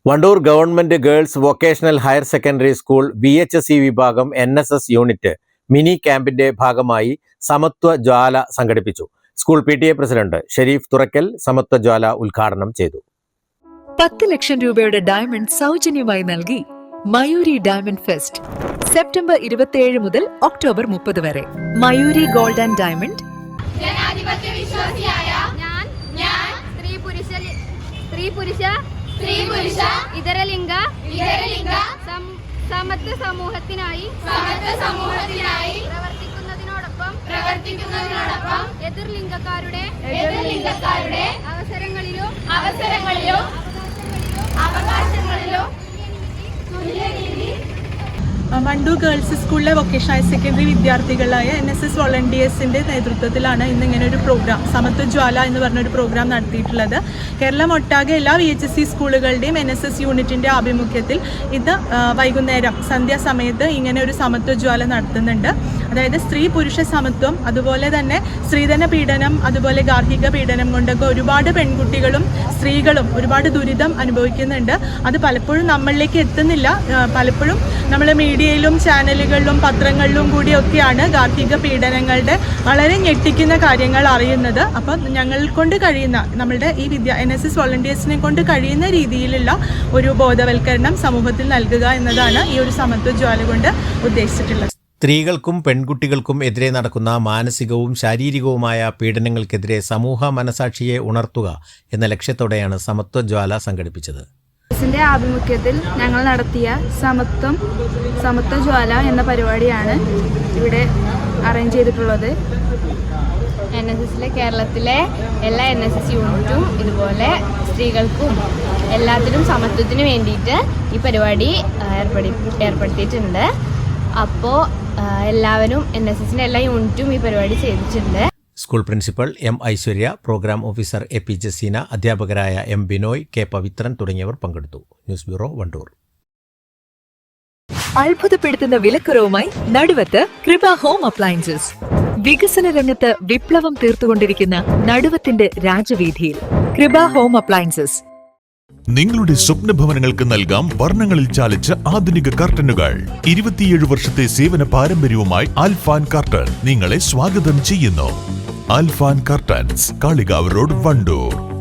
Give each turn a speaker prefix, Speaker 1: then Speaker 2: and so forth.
Speaker 1: Wandoor government girls vocational higher secondary school VHSE വിഭാഗം NSS unit mini ക്യാമ്പിന്റെ ഭാഗമായി സമത്വ ജ്വാല സംഘടിപ്പിച്ചു. School PTA president Shareef Thurakkal സമത്വ ജ്വാല ഉദ്ഘാടനം ചെയ്തു.
Speaker 2: 10 ലക്ഷം രൂപയുടെ ഡയമണ്ട് സൗജന്യമായി നൽകി മയൂരി ഡയമണ്ട് ഫെസ്റ്റ് സെപ്റ്റംബർ 27 മുതൽ ഒക്ടോബർ 30 വരെ. Mayuri gold and diamond.
Speaker 3: ജനാധിപത്യ വിശ്വാസിയായ ഞാൻ സ്ത്രീ പുരുഷ ഇതരലിംഗ സമത്വ സമൂഹത്തിനായി പ്രവർത്തിക്കുന്നതിനോടൊപ്പം എതിർലിംഗക്കാരുടെ അവസരങ്ങളിലും അവകാശങ്ങളിലും
Speaker 4: വണ്ടൂർ ഗേൾസ് സ്കൂളിലെ വൊക്കേഷണൽ ഹയർ സെക്കൻഡറി വിദ്യാർത്ഥികളായ NSS വോളണ്ടിയേഴ്സിൻ്റെ നേതൃത്വത്തിലാണ് ഇന്നിങ്ങനെ ഒരു പ്രോഗ്രാം സമത്വ ജ്വാല എന്ന് പറഞ്ഞൊരു പ്രോഗ്രാം നടത്തിയിട്ടുള്ളത്. കേരളം ഒട്ടാകെ എല്ലാ VHSE സ്കൂളുകളുടെയും NSS യൂണിറ്റിൻ്റെ ആഭിമുഖ്യത്തിൽ ഇത് വൈകുന്നേരം സന്ധ്യാസമയത്ത് ഇങ്ങനെ ഒരു സമത്വ ജ്വാല നടത്തുന്നുണ്ട്. അതായത് സ്ത്രീ പുരുഷ സമത്വം, അതുപോലെ തന്നെ സ്ത്രീധന പീഡനം, അതുപോലെ ഗാർഹിക പീഡനം കൊണ്ടൊക്കെ ഒരുപാട് പെൺകുട്ടികളും സ്ത്രീകളും ഒരുപാട് ദുരിതം അനുഭവിക്കുന്നുണ്ട്. അത് പലപ്പോഴും നമ്മളിലേക്ക് എത്തുന്നില്ല. പലപ്പോഴും നമ്മൾ മീഡിയയിലും ചാനലുകളിലും പത്രങ്ങളിലും കൂടിയൊക്കെയാണ് ഗാർഹിക പീഡനങ്ങളുടെ വളരെ ഞെട്ടിക്കുന്ന കാര്യങ്ങൾ അറിയുന്നത്. അപ്പം ഞങ്ങൾ കൊണ്ട് കഴിയുന്ന നമ്മളുടെ ഈ NSS വോളണ്ടിയേഴ്സിനെ കൊണ്ട് കഴിയുന്ന രീതിയിലുള്ള ഒരു ബോധവൽക്കരണം സമൂഹത്തിൽ നൽകുക എന്നതാണ് ഈ ഒരു സമത്വ ജ്വാല കൊണ്ട് ഉദ്ദേശിച്ചിട്ടുള്ളത്.
Speaker 1: സ്ത്രീകൾക്കും പെൺകുട്ടികൾക്കും എതിരെ നടക്കുന്ന മാനസികവും ശാരീരികവുമായ പീഡനങ്ങൾക്കെതിരെ സമൂഹ മനസാക്ഷിയെ ഉണർത്തുക എന്ന ലക്ഷ്യത്തോടെയാണ് സമത്വ ജ്വാല സംഘടിപ്പിച്ചത്.
Speaker 5: ന്റെ ആഭിമുഖ്യത്തിൽ ഞങ്ങൾ നടത്തിയ സമത്വ ജ്വാല എന്ന പരിപാടിയാണ് ഇവിടെ അറേഞ്ച് ചെയ്തിട്ടുള്ളത്.
Speaker 3: NSSലെ കേരളത്തിലെ എല്ലാ NSS യൂണിറ്റും ഇതുപോലെ സ്ത്രീകൾക്കും എല്ലാത്തിനും സമത്വത്തിന് വേണ്ടിയിട്ട് ഈ പരിപാടി ഏർപ്പെടുത്തിയിട്ടുണ്ട്. അപ്പോൾ എല്ലാവരും NSSന്റെ എല്ലാ യൂണിറ്റും ഈ പരിപാടി ചെയ്തിട്ടുണ്ട്.
Speaker 1: School principal M. Aishwarya, program officer AP Jaseena, അധ്യാപകരായ M. ബിനോയ്, K. പവിത്രൻ തുടങ്ങിയവർ പങ്കെടുത്തു. News bureau, Wandoor.
Speaker 2: അത്ഭുതപ്പെടുത്തുന്ന വിലക്കുറവുമായി നടുവത്ത് കൃപ ഹോം അപ്ലയൻസസ്. വികസന രംഗത്ത് വിപ്ലവം തീർത്തുകൊണ്ടിരിക്കുന്ന നടുവത്തിന്റെ രാജവീതിയിൽ കൃപ ഹോം അപ്ലയൻസസ്.
Speaker 6: നിങ്ങളുടെ സ്വപ്ന ഭവനങ്ങൾക്ക് നൽകാം വർണ്ണങ്ങളിൽ ചാലിച്ച ആധുനിക കർട്ടനുകൾ. 27 വർഷത്തെ സേവന പാരമ്പര്യവുമായി ആൽഫാൻ കർട്ടൻ നിങ്ങളെ സ്വാഗതം ചെയ്യുന്നു. Alfan curtains, Kalikavu road, Wandoor.